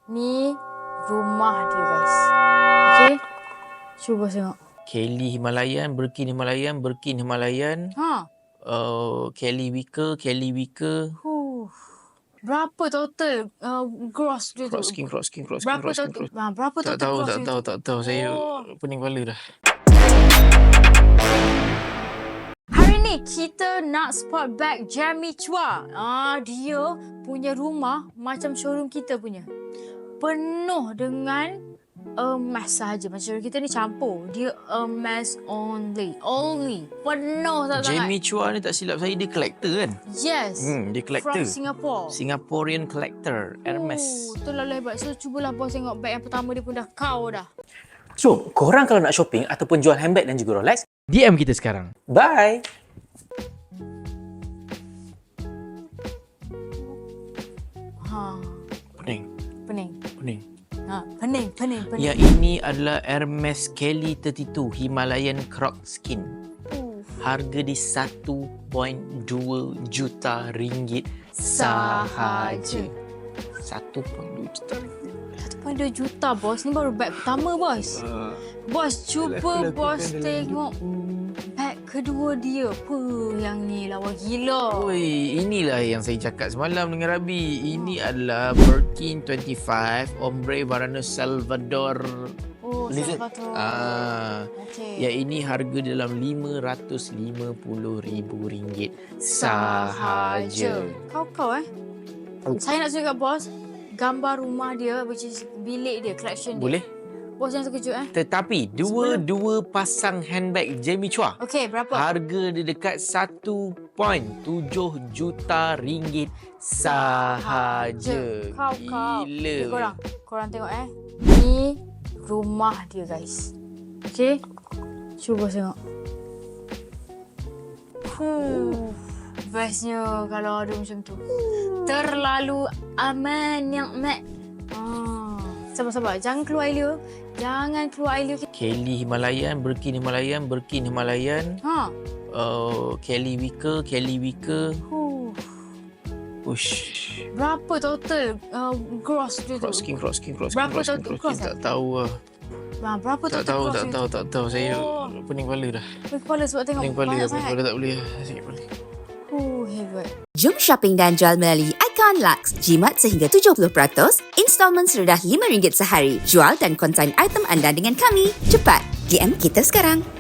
Ni rumah dia guys. Okay. Cuba tengok. Kelly Himalayan, Birkin Himalayan, Birkin Himalayan. Kelly Wicker. Berapa total gross dia tu? Cross King. Berapa total Tak tahu. Saya pening kepala dah. Hari ni kita nak spot bag Jamie Chua. Dia punya rumah macam showroom kita punya. Penuh dengan emas sahaja. Macam showroom kita ni campur. Dia emas only. Penuh sangat. Jamie Chua ni tak silap saya dia collector kan? Yes. Dia collector. From Singapore. Singaporean collector. Hermes. Itulah hebat. So cubalah bos tengok bag yang pertama dia pun dah kau dah. So, korang kalau nak shopping ataupun jual handbag dan juga Rolex, DM kita sekarang. bye! Pening. Pening. Yang ini adalah Hermes Kelly 32 Himalayan Croc Skin. Harga di 1.2 juta ringgit sahaja. 1.2 juta ringgit. 1.2 juta bos. Ni baru bag pertama bos. Bos cuba bos tengok bag kedua dia. Yang ni lawa gila. Oi, inilah yang saya cakap semalam dengan Rabi. Ini adalah Birkin 25 Ombre Varano Salvador. Salvador. Okay. Yang ini harga dalam RM550,000 sahaja. Kau Saya nak tunjuk kat bos gambar rumah dia, which is bilik dia, collection dia. Boleh? Bos jangan terkejut Tetapi dua pasang handbag Jamie Chua. Okey, berapa? Harga dia dekat 1.7 juta ringgit sahaja. Kau. Gila. Korang tengok Ni rumah dia guys. Okey. Cuba tengok. Bestnya kalau ada macam tu. Terlalu aman yang mat. Sabar. Jangan keluar air dia. Kelly Himalayan, Birkin Himalayan. Kelly Wicker. Ush. Berapa total gross dia tu? Cross King. Berapa total gross? Tak tahu lah. Berapa total gross? Tak tahu. Saya pening kepala dah. Pening kepala sebab tengok banyak sangat. Pening kepala tak boleh. Sakit kepala. Hebat. Jom shopping dan jual melalui Icon Lux. Jimat sehingga 70%, installment serendah RM5 sehari. Jual dan konsign item anda dengan kami. Cepat, DM kita sekarang.